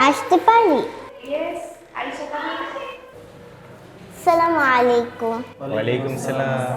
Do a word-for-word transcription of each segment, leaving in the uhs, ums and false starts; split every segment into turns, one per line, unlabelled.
আসতে পারি?
Yes, Aisha coming.
আসসালামু আলাইকুম।
ওয়ালাইকুম সালাম।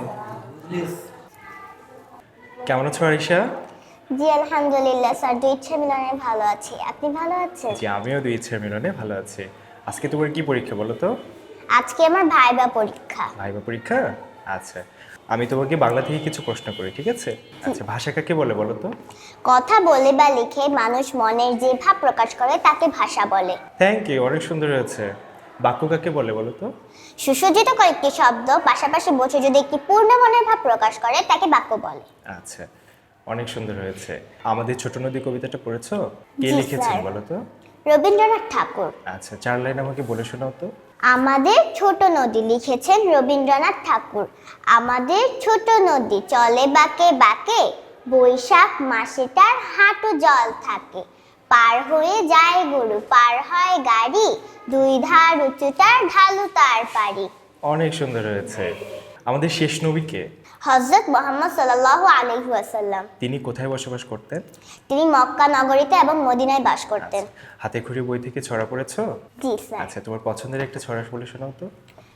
কেমন আছো আরিশা?
জি আলহামদুলিল্লাহ স্যার, দুই ইচ্ছা মিলনে ভালো আছি। আপনি ভালো আছেন?
জি, আমিও দুই ইচ্ছার মিলনে ভালো আছি। আজকে তোমার কি পরীক্ষা বলো তো?
আজকে আমার ভাইবা পরীক্ষা।
ভাইবা পরীক্ষা? আচ্ছা, আমি তোমাকে বাংলা থেকে কিছু প্রশ্ন করি, ঠিক আছে? আচ্ছা, ভাষা কাকে বলে বলো তো?
কথা বলে বা লিখে মানুষ মনের যে ভাব প্রকাশ করে তাকে ভাষা বলে।
থ্যাংক ইউ, অনেক সুন্দর হয়েছে। বাক্য কাকে বলে বলো তো?
সুসজ্জিত কয়েকটি শব্দ পাশাপাশি বসে যদি একটি পূর্ণ মনের ভাব প্রকাশ করে তাকে বাক্য বলে।
আচ্ছা, অনেক সুন্দর হয়েছে। আমাদের ছোট নদী কবিতাটা পড়েছো? কে
জি,
লিখেছেন
স্যার।
বলো তো?
রবীন্দ্রনাথ ঠাকুর।
আচ্ছা, চার লাইন আমাকে বলে শোনাও তো।
আমাদের ছোট নদী লিখেছেন রবীন্দ্রনাথ ঠাকুর। আমাদের ছোট নদী চলে বাঁকে বাঁকে, বৈশাখ মাসে তার হাঁটু জল থাকে। পার হয়ে যায় গরু, পার হয় গাড়ি, দুই ধার উঁচু তার ঢালু তার পারি।
অনেক সুন্দর হয়েছে। আমাদের শেষ নবী কে?
হযরত মুহাম্মদ সাল্লাল্লাহু আলাইহি ওয়াসাল্লাম।
তিনি কোথায় বসবাস করতেন?
তিনি মক্কা নগরীতে এবং মদিনায় বাস করতেন।
হাতে খড়ি বই থেকে ছড়া পড়েছো?
জি স্যার।
আচ্ছা, তোমার পছন্দের একটা ছড়া বলে শোনাও তো।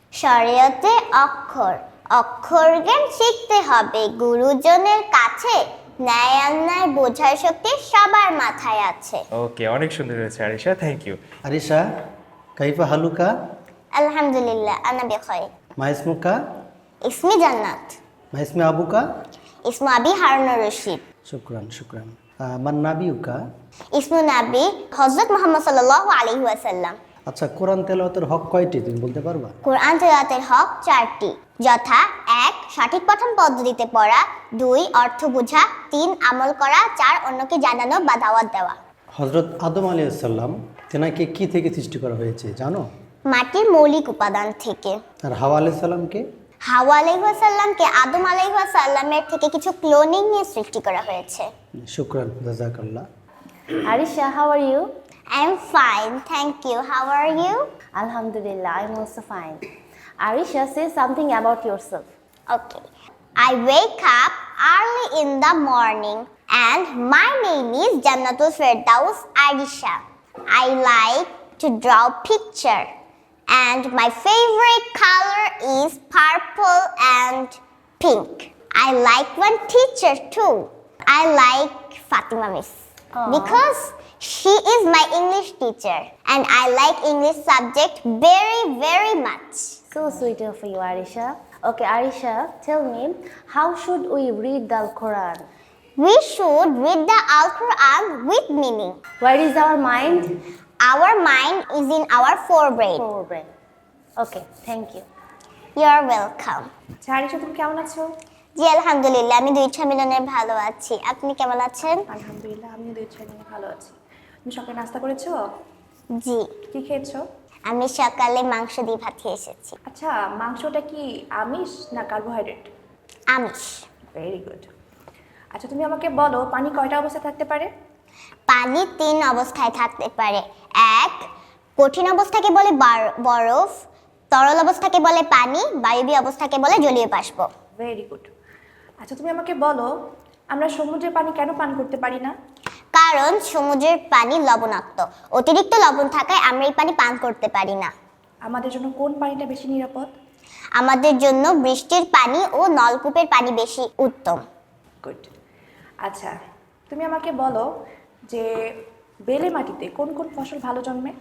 শরীয়তে অক্ষর, অক্ষর জ্ঞান শিখতে হবে গুরুজনের কাছে, ন্যায় অন্যায় বোঝার শক্তি সবার মাথায় আছে।
ওকে, অনেক সুন্দর হয়েছে আরিশা, থ্যাংক ইউ।
আরিশা কাইফা হালুকা
আলহামদুলিল্লাহ আনা বিখাইর।
মা ইসমুকা
ইসমি জান্নাত।
মা ইসমে আবুকা
ইসমু আবি হারুনুর রশিদ।
শুকরান শুকরান আহ, মান নাবিউকা।
ইসমু নাবি হযরত মুহাম্মদ সাল্লাল্লাহু আলাইহি ওয়াসাল্লাম।
আচ্ছা, কোরআন তেলাওয়াতের হক কয়টি তুমি বলতে পারবা?
কোরআন তেলাওয়াতের হক চারটি, যথা এক সঠিক পঠন পদ্ধতিতে পড়া, দুই অর্থ বোঝা, তিন আমল করা, চার অন্যকে জানানো বা দাওয়াত দেওয়া।
হজরত আদম আলাইসাল্লাম তেনাকে কি থেকে সৃষ্টি করা হয়েছে জানো?
মাটির মৌলিক উপাদান থেকে।
আর হাওয়া আলাইসাল্লামকে?
হাওয়া আলাইহিস সালামকে আদম আলাইহিস সালামের থেকে কিছু ক্লোনিং নিয়ে সৃষ্টি করা হয়েছে।
শুকরান জাযাকাল্লাহ।
Arisha, how are you?
I am fine, thank you. How are you?
Alhamdulillah, I'm also fine. Arisha, say something about yourself.
Okay. I wake up early in the morning and my name is Jannatul Firdaus Arisha. I like to draw picture and my favorite color is purple and pink. I like one teacher too. I like Fatima Miss because she is my English teacher and I like English subject very very much.
So sweet of you, Arisha. Okay, Arisha, tell me, how should we read the Quran?
We should read the Al-Quran with meaning.
Where is our mind?
Our mind is in our forebrain.
Forebrain. Okay, thank you.
You're welcome.
আচ্ছা আরিশা, তুমি কেমন আছো?
জি আলহামদুলিল্লাহ, আমি দুই ইচ্ছা মিলনে ভালো আছি। আপনি কেমন আছেন?
আলহামদুলিল্লাহ, আমিও দুই ছেলে নিয়ে ভালো আছি। তুমি সকালে নাস্তা করেছো?
জি,
কি খেয়েছো?
আমি সকালে মাংস দিয়ে ভাত খেয়ে এসেছি।
আচ্ছা, মাংসটা কি আমিষ না কার্বোহাইড্রেট?
আমিষ।
Very good. আচ্ছা, তুমি আমাকে বলো পানি কয়টা অবস্থায় থাকতে পারে?
পানি তিন অবস্থায় থাকতে পারে। এক, কঠিন অবস্থাকে বলে বার- বরফ, তরল অবস্থাকে বলে পানি, বায়বীয় অবস্থাকে বলে জলীয় বাষ্প।
Very good. আচ্ছা, তুমি আমাকে বলো আমরা সমুদ্রের পানি কেন পান করতে পারি না?
কারণ সমুদ্রের পানি লবণাক্ত, অতিরিক্ত লবণ থাকায় আমরা এই পানি পান করতে পারি না।
আমাদের জন্য কোন পানিটা বেশি নিরাপদ?
আমাদের জন্য বৃষ্টির পানি ও নলকূপের পানি বেশি উত্তম।
গুড। আচ্ছা, তুমি আমাকে বলো যে বেলে মাটিতে কোন কোন ফসল ভালো জন্মে?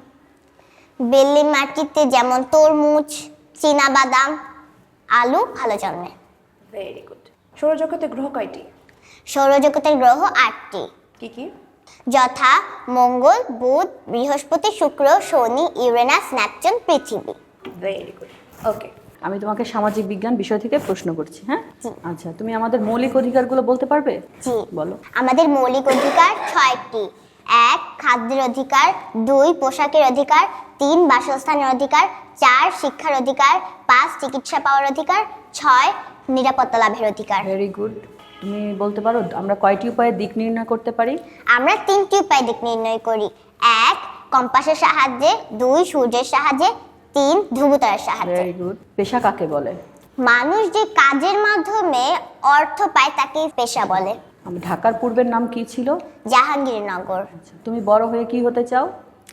বেলে মাটিতে যেমন তরমুজ, চীনাবাদাম, আলু ভালো জন্মে।
Very good. সৌরজগতে গ্রহ কয়টি?
সৌরজগতের গ্রহ আটটি,
কি কি?
যথা মঙ্গল, বুধ, বৃহস্পতি, শুক্র, শনি, ইউরেনাস, নেপচুন, পৃথিবী।
Very good. ওকে।
আমি তোমাকে সামাজিক বিজ্ঞান বিষয় থেকে প্রশ্ন করছি, হ্যাঁ? আচ্ছা, তুমি আমাদের মৌলিক অধিকারগুলো বলতে পারবে?
জি,
বলো।
আমাদের মৌলিক অধিকার ছয়টি। এক, খাদ্যের অধিকার, দুই, পোশাকের অধিকার, তিন, বাসস্থানের অধিকার, চার, শিক্ষার অধিকার, পাঁচ, চিকিৎসা পাওয়ার অধিকার, ছয়, নিরাপত্তা লাভের অধিকার।
Very good. তুমি বলতে পারো আমরা কয়টি উপায়ে দিক নির্ণয় করতে পারি?
আমরা তিনটি উপায় দিক নির্ণয় করি। এক, কম্পাসের সাহায্যে, দুই, সূর্যের সাহায্যে, তিন, ধ্রুবতারার সাহায্যে।
Very good. পেশা কাকে বলে?
মানুষ যে কাজের মাধ্যমে অর্থ পায় তাকে পেশা বলে।
ঢাকার পূর্বের নাম কি ছিল?
জাহাঙ্গীরনগর।
তুমি বড় হয়ে কি হতে চাও?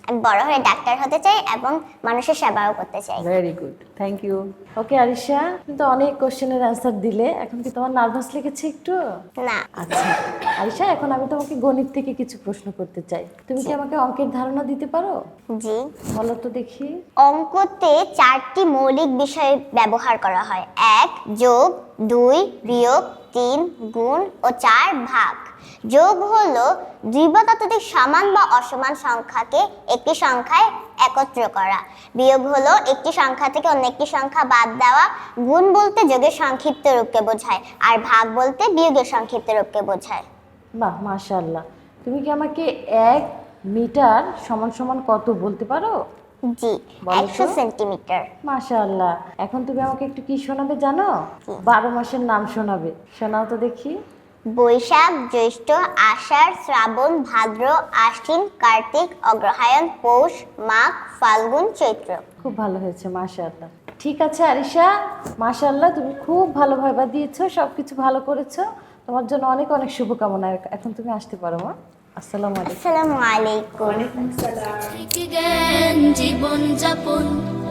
আমি বড় হয়ে ডাক্তার হতে চাই এবং মানুষের সেবাও করতে চাই।
Very good, thank you.
Okay Arisha, তুমি তো অনেক কোশ্চেনের অ্যান্সার দিলে, এখন কি তোমার নার্ভাস লেগেছে একটু?
না।
আচ্ছা আরিশা, এখন আমি তোমাকে গণিত থেকে কিছু প্রশ্ন করতে চাই। তুমি কি আমাকে অঙ্কের ধারণা দিতে পারো?
জি।
বলো তো দেখি।
অঙ্কতে চারটি মৌলিক বিষয় ব্যবহার করা হয়। এক, যোগ; দুই, বিয়োগ; তিন, গুণ; ও চার, ভাগ। যোগ হলো দুই বা ততোধিক সমান বা অসমান সংখ্যাকে একটি সংখ্যায় একত্র করা। বিয়োগ হলো একটি সংখ্যা থেকে অন্য একটি সংখ্যা বাদ দেওয়া। গুণ বলতে যোগের সংক্ষিপ্ত রূপকে বোঝায়, আর ভাগ বলতে বিয়োগের সংক্ষিপ্ত রূপকে বোঝায়।
বাহ, মাশাআল্লাহ। তুমি কি আমাকে এক মিটার সমান সমান কত বলতে পারো?
জি,
বলো তো।
একশো সেন্টিমিটার।
মাশাআল্লাহ। এখন তুমি আমাকে একটু কি শোনাবে জানো? বারো মাসের নাম শোনাবে, শোনাও তো দেখি।
বৈশাখ, জ্যৈষ্ঠ, আষাঢ়, শ্রাবণ, ভাদ্র, আশ্বিন, কার্তিক, অগ্রহায়ণ, পৌষ, মাঘ, ফাল্গুন, চৈত্র।
খুব ভালো হয়েছে, মাশাআল্লাহ। ঠিক আছে আরিশা, মাশাআল্লাহ, তুমি খুব ভালো ভাইবা দিয়েছো, সব কিছু ভালো করেছো। তোমার জন্য অনেক অনেক শুভকামনা। এখন তুমি আসতে পারো মা। আসসালামু আলাইকুম।
আসসালামু আলাইকুম।
থেকে জ্ঞান জীবন যাপন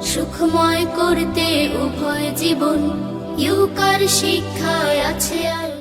সুখময় করতে উভয় জীবন ইউকার শিক্ষায় আছে আর